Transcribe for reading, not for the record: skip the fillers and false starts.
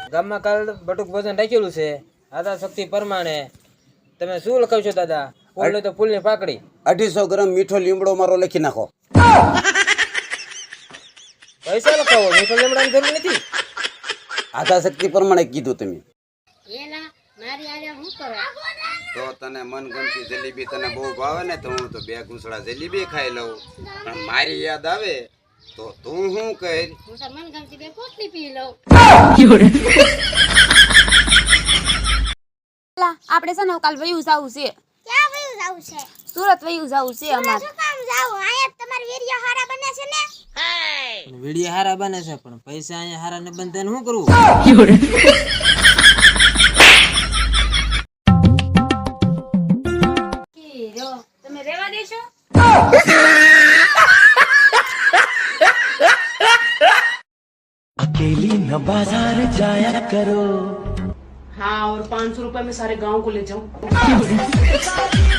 ગામમાં કાલ બટુક ભોજન રાખેલું છે આદા શક્તિ પ્રમાણે તમે શું લખાવશો દાદા? ફૂલ તો ફૂલની પાકડી. 250 ગ્રામ મીઠો લીમડો મારો લખી નાખો. પૈસા લખાવો, મીઠો લીમડાની જરૂર નથી. આદા શક્તિ પ્રમાણે કીધું તમે. એલા મારી આરે હું કરો? તો તને મનગમતી જલેબી તને બહુ ભાવે ને તો હું તો 2 ઘૂંસડા જલેબી ખાઈ લઉં. પણ મારી યાદ આવે તો તું શું કહે? હું તો મન ગમતી બે પોટલી પી લઉં. આપણે છે ને કાલ વયું જાવું છે. ક્યાં વયું જાવું છે? સુરત વયું જાવું છે અમારે. શું કામ જાવું? આયા તમાર વીડિયો હારા બને છે ને? વિડીયો હારા બને છે પણ પૈસા અહીંયા હારા ને બંધ શું કરવું? તમે રેવા દેશો? अकेली न बाजार जाया करो। हाँ, और 500 रुपए में सारे गांव को ले जाऊं।